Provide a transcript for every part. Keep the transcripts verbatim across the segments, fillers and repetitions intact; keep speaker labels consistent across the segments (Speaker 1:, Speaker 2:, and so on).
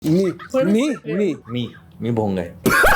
Speaker 1: मी मी मी
Speaker 2: मी मी भोंग आहे.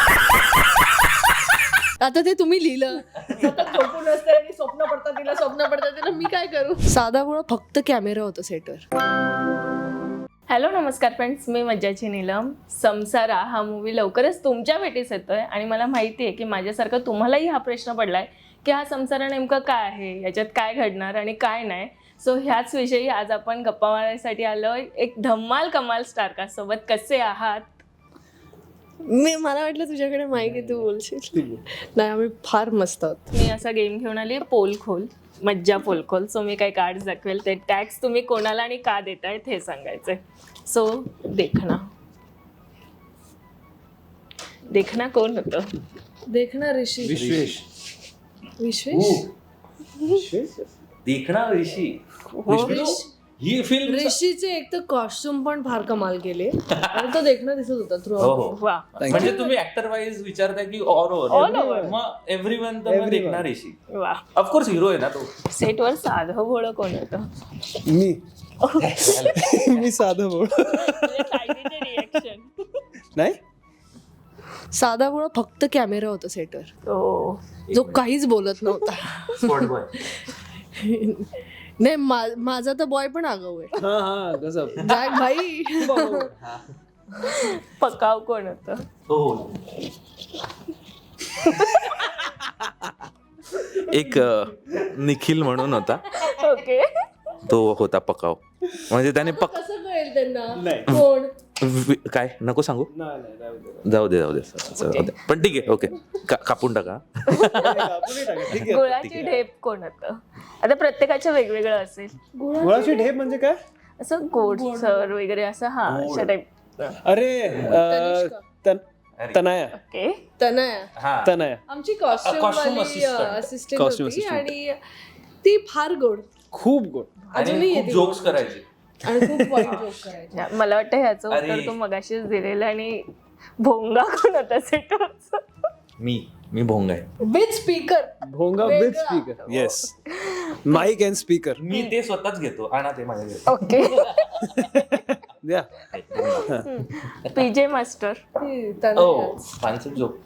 Speaker 3: आता ते तुम्ही लिहिलं सतत झोपून असते आणि स्वप्न पडतात तिला स्वप्न पडतात तिला मी काय करू. साधा मुळे फक्त कॅमेरा होता सेटवर.
Speaker 4: हॅलो नमस्कार फ्रेंड्स, मी मज्जाची नीलम. संसारा हा मूवी लवकरच तुमच्या भेटीस येतोय आणि मला माहिती आहे की माझ्यासारखं तुम्हालाही हा प्रश्न पडलाय की हा संसारा नेमका काय आहे, याच्यात काय घडणार आणि काय नाही. सो ह्याच विषयी आज आपण गप्पा मारण्यासाठी आलोय एक धम्माल कमाल स्टारकास्ट सोबत. कसे आहात?
Speaker 3: मी मला वाटलं तुझ्याकडे माहिती तू बोलशील. नाही आम्ही फार मस्त आहोत.
Speaker 4: मी असा गेम घेऊन आली पोल खोल, मज्जा पोल खोल. सो मी काही कार्ड्स दाखवेल, ते टॅक्स तुम्ही कोणाला आणि का देतायत हे सांगायचंय. सो देखना देखना कोण होतं?
Speaker 3: देखना ऋषी.
Speaker 1: विश्वेश
Speaker 3: विश्वेश
Speaker 2: देखना ऋषी.
Speaker 3: ऋषी-
Speaker 2: ही फिल्म
Speaker 3: ऋषीचे एक तर कॉस्ट्युम पण फार कमाल केले आणि तो देखना दिसत होता थ्रू.
Speaker 2: हो हो.
Speaker 4: वा.
Speaker 2: म्हणजे तुम्ही ऍक्टर वाईज विचारताय की ऑल
Speaker 4: All
Speaker 2: ओव्हर
Speaker 4: over.
Speaker 2: मग एव्हरीवन तर मग देखना ऋषी.
Speaker 4: वा.
Speaker 2: ऑफकोर्स हिरो आहे ना तो.
Speaker 4: सेटवर साधं भोळं कोण होतं?
Speaker 1: मी मी साधं बोल
Speaker 4: रिएक्शन.
Speaker 1: नाही
Speaker 3: साधा मुळे फक्त कॅमेरा होता सेटवर,
Speaker 4: हो.
Speaker 3: जो काहीच बोलत नव्हता.
Speaker 2: Spot boy.
Speaker 3: नाही मा- माझा तर बॉय पण आगाऊ आहे.
Speaker 1: हा हा कसं
Speaker 3: जाय भाई.
Speaker 4: पकाव कोण होतं?
Speaker 2: हो. एक अ, निखिल म्हणून होता,
Speaker 4: ओके.
Speaker 2: तो होता पकाव. म्हणजे त्याने पक
Speaker 3: कसं कळेल त्यांना
Speaker 1: नाही.
Speaker 3: कोण?
Speaker 2: वि- काय नको सांगू.
Speaker 1: नाही नाही जाऊ दे.
Speaker 2: जाऊ दे जाऊ दे जाऊ दे. पण ठीक आहे, ओके. का- कापून टाका.
Speaker 1: कापूनही टाका, ठीक आहे.
Speaker 4: गुळाची ढेप कोण होतं? आता प्रत्येकाचं वेगवेगळं असेल.
Speaker 1: गुळाची ढेप म्हणजे काय?
Speaker 4: असं गोड सर वगैरे असं. हा अशा टाईप.
Speaker 1: अरे अं, तन- तनया
Speaker 4: ओके.
Speaker 3: तनया
Speaker 2: हा.
Speaker 1: तनया
Speaker 3: आमची
Speaker 2: Costume
Speaker 3: costume
Speaker 2: assistant.
Speaker 3: Assistant
Speaker 1: Costume
Speaker 3: होती
Speaker 1: assistant.
Speaker 3: आणि ती फार गोड
Speaker 1: खूप गोड.
Speaker 3: अजूनही
Speaker 2: आणि
Speaker 3: येते
Speaker 2: खूप जोक्स
Speaker 3: गोड.
Speaker 2: करायचे.
Speaker 3: आणि खूप वाईट जोक करायची.
Speaker 4: मला वाटतं ह्याचं
Speaker 2: अरे.
Speaker 4: उत्तर तू मगाशीच दिलेलं. आणि भोंगा कोण होता सेटवरचा?
Speaker 2: मी मी भोंग आहे.
Speaker 3: With speaker.
Speaker 1: भोंगा
Speaker 3: वेगळा.
Speaker 1: With speaker. Yes, mike and speaker.
Speaker 2: मी ते स्वतःच घेतो. आणा ते माझ्याकडे.
Speaker 4: ओके.
Speaker 1: द्या.
Speaker 4: PJ master.
Speaker 2: Oh fancy joke.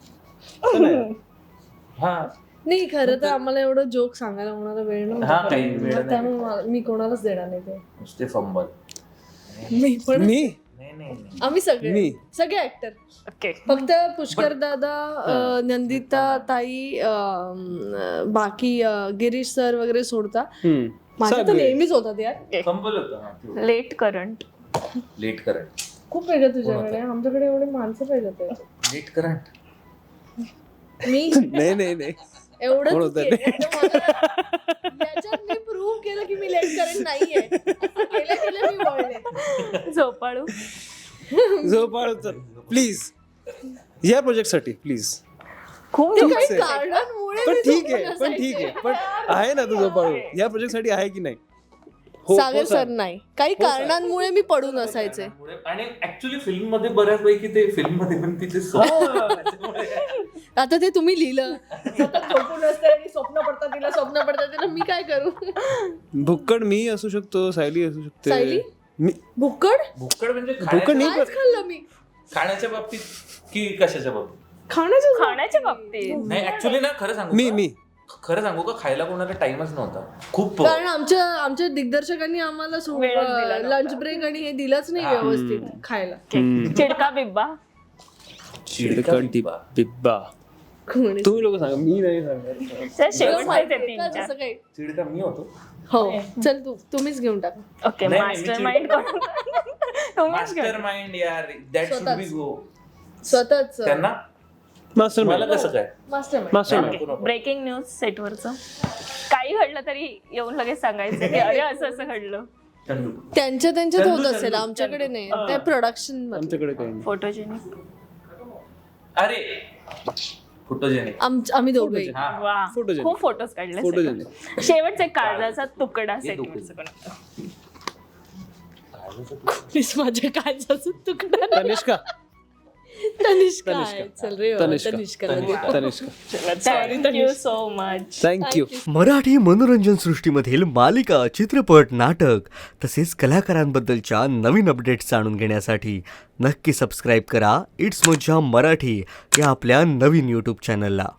Speaker 2: हा
Speaker 3: नाही खरं तर आम्हाला एवढं जोक सांगायला कोणाला वेळ
Speaker 2: हा
Speaker 3: नव्हता.
Speaker 2: काही वेळ
Speaker 3: मग
Speaker 2: नाही.
Speaker 3: त्यामुळे मला- मी कोणालाच देणार नाही ते.
Speaker 2: नुसते फंबल.
Speaker 3: मी पण
Speaker 1: मी
Speaker 2: नाही नाही नाही.
Speaker 3: आम्ही सगळे
Speaker 1: मी.
Speaker 3: सगळे ऍक्टर.
Speaker 4: ओके.
Speaker 3: फक्त पुष्कर दादा, अं, नंदिता ताई, अं, बाकी अं, गिरीश सर वगैरे सोडता.
Speaker 1: हम्म.
Speaker 3: माझा तर
Speaker 1: सगळे.
Speaker 3: नेहमीच होतात यार.
Speaker 2: फंबल होतं.
Speaker 4: Late current.
Speaker 2: Late current.
Speaker 3: खूप वेगळं तुझ्याकडे. आमच्याकडे एवढे माणसं पाहिजे होते.
Speaker 2: Late current.
Speaker 3: मी
Speaker 1: नाही नाही नाही कोण
Speaker 3: एवढं
Speaker 1: होतं ते?
Speaker 3: याच्यात मी प्रूव्ह केलं की मी लेट करंट नाहीये. असं केलं केलं मी वळले.
Speaker 4: झोपाळू.
Speaker 1: झोपाळ प्लीज, या प्रोजेक्ट साठी प्लीज.
Speaker 4: खूप
Speaker 3: ते
Speaker 4: झोप-
Speaker 3: काही
Speaker 1: आहे.
Speaker 3: कारणांमुळे
Speaker 1: पण
Speaker 3: मी
Speaker 1: ठीक
Speaker 3: झोपून
Speaker 1: आहे पण ठीक आहे
Speaker 3: असायचे.
Speaker 1: पण आहे ना तुझं पाळू या प्रोजेक्ट साठी आहे की नाही? हो,
Speaker 3: सागर
Speaker 1: हो,
Speaker 3: सर नाही, काही कारणांमुळे मी पडून असायचे.
Speaker 2: आणि ऍक्च्युली फिल्म मध्ये बऱ्यापैकी ते फिल्म मध्ये पण तिथे
Speaker 3: आता ते तुम्ही लिहिलं सतत झोपून असते आणि स्वप्न पडतात तिला स्वप्न पडतात तिला मी काय करू.
Speaker 1: भुक्कड मी असू शकतो, सायली असू
Speaker 3: सायली?
Speaker 1: शकते. मी
Speaker 3: भुक्कड
Speaker 2: भुक्कड म्हणजे
Speaker 1: भुक्कड
Speaker 2: खाण्याच्या
Speaker 1: नाही
Speaker 3: कायच खाल्लं मी.
Speaker 2: खाण्याच्या बाबतीत की कशाच्या बाबतीत?
Speaker 3: खाण्याचं
Speaker 4: खाण्याच्या बाबतीत.
Speaker 2: नाही ऍक्च्युली ना खरं सांगू
Speaker 1: मी
Speaker 2: का?
Speaker 1: मी
Speaker 2: खरं सांगू का खायला कोणाला टाइमच नव्हता. खूप
Speaker 3: कारण आमच्या आमच्या दिग्दर्शकांनी आम्हाला
Speaker 4: वेळच दिला नव्हता.
Speaker 3: लंच ब्रेक आणि हे दिलंच नाही व्यवस्थित खायला.
Speaker 4: चिडका बिब्बा.
Speaker 1: चिडकण टिपा बिब्बा.
Speaker 3: कोणी-
Speaker 1: तुम्ही लोक सांगा, मी नाही सांगणार.
Speaker 4: तर शेवट
Speaker 3: माहिती
Speaker 4: माहिती
Speaker 3: आहे का
Speaker 4: तीन
Speaker 3: जसं
Speaker 4: चार.
Speaker 3: काही?
Speaker 2: चिडका मी होतो.
Speaker 3: हो चल तू तुम्हीच घेऊन टाका.
Speaker 4: ओके.
Speaker 2: नाही, नाही, मी
Speaker 4: मास्टर
Speaker 2: चिड-
Speaker 4: माइंड कोण होता? तुम्हीच
Speaker 2: मास्टर
Speaker 4: घेऊन.
Speaker 2: माइंड यार, दॅट शुड बी गो.
Speaker 3: स्वतःच
Speaker 2: त्यांना
Speaker 1: मास्टर
Speaker 2: मला कसं काय?
Speaker 3: मास्टर
Speaker 1: मास्टर
Speaker 2: नको, नको.
Speaker 4: ब्रेकिंग न्यूज सेटवरचं. काही घडलं तरी येऊन लगेच सांगायचं की अरे असं असं घडलं.
Speaker 2: चंदू.
Speaker 3: त्यांच्या त्यांच्यात
Speaker 2: चंदू,
Speaker 3: होत
Speaker 2: चंदू,
Speaker 3: असेल, आमच्याकडे नाही. त्या प्रोडक्शन मध्ये
Speaker 1: आमच्याकडे काही नाही.
Speaker 4: फोटोजेनिक.
Speaker 2: अरे फोटोजेनिक.
Speaker 3: आम- आम्ही दोघे
Speaker 2: हा
Speaker 4: वा.
Speaker 1: Photogenic.
Speaker 4: खूप फोटोज काढले.
Speaker 1: Photogenic.
Speaker 4: सेटवर. शेवटचा एक काळजाचा तुकडा सेटवरचं कोण होतं?
Speaker 3: प्लीज माझ्या काळजाचा तुकडा नाही.
Speaker 1: तनिष्का
Speaker 3: तनिष्का आहे.
Speaker 1: तनिष्का.
Speaker 3: चल रे बाबा,
Speaker 1: तनिष्का.
Speaker 3: तनिष्काला दे.
Speaker 1: Tanishka
Speaker 4: thank you so much.
Speaker 1: Thank you.
Speaker 5: Marathi मनोरंजन सृष्टीमधील मालिका, चित्रपट, नाटक तसेच कलाकारांबद्दलच्या नवीन अपडेट्स जाणून घेण्यासाठी नक्की सबस्क्राईब करा इट्स मज्जा मराठी या आपल्या नवीन यूट्यूब चॅनलला.